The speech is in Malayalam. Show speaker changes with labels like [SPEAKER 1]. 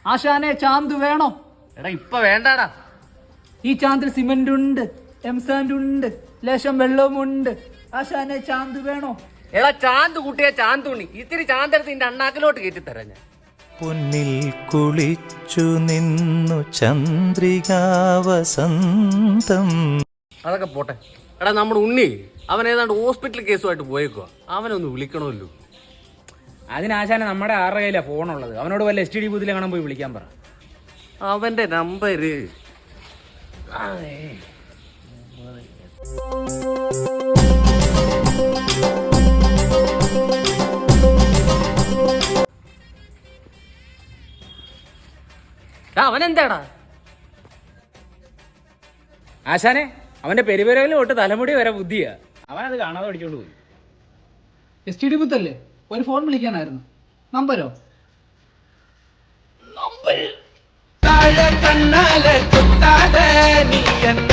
[SPEAKER 1] ആശാനെ ചാന്ത് വേണോ?
[SPEAKER 2] എടാ ഇപ്പൊ വേണ്ടാടാ.
[SPEAKER 1] ഈ ചാന്തിൽ സിമന്റ് ഉണ്ട്, എംസാൻഡ് ഉണ്ട്, ലേശം വെള്ളവുമുണ്ട്. ആശാനെ ചാന്ത് വേണോ?
[SPEAKER 2] എടാ ചാന്ത് കൂട്ടിയ ചാന്തുണ്ണി, ഇത്തിരി ചാന്തെടുത്ത് നിന്റെ അണ്ണാക്കിലോട്ട് കയറ്റിത്തരാം ഞാൻ.
[SPEAKER 3] പൊന്നിൽ കുളിച്ചു നിന്നു ചന്ദ്രികാവസന്തം.
[SPEAKER 2] അതൊക്കെ പോട്ടെ. എടാ നമ്മുടെ ഉണ്ണി അവൻ ഏതാണ്ട് ഹോസ്പിറ്റൽ കേസുമായിട്ട് പോയേക്കുക. അവനൊന്ന് വിളിക്കണമല്ലോ.
[SPEAKER 4] അതിനാശാനെ നമ്മുടെ ആരുടെ കയ്യിലാണ് ഫോണുള്ളത്. അവനോട് വല്ല STD ബൂത്തിലെ കാണാൻ പോയി വിളിക്കാൻ പറ.
[SPEAKER 2] അവന്റെ നമ്പര് അവനെന്താടാ?
[SPEAKER 4] ആശാനെ അവന്റെ പെരുപെരവിൽ തൊട്ട് തലമുടി വരെ ബുദ്ധിയാ. അവനത് കാണാതെ പഠിച്ചോണ്ട് പോയി.
[SPEAKER 1] STD ബുത്തല്ലേ? ഒരു ഫോൺ വിളിക്കാനായിരുന്നു. നമ്പരോ?
[SPEAKER 5] കണ്ണാലെ കുത്താതെ നീ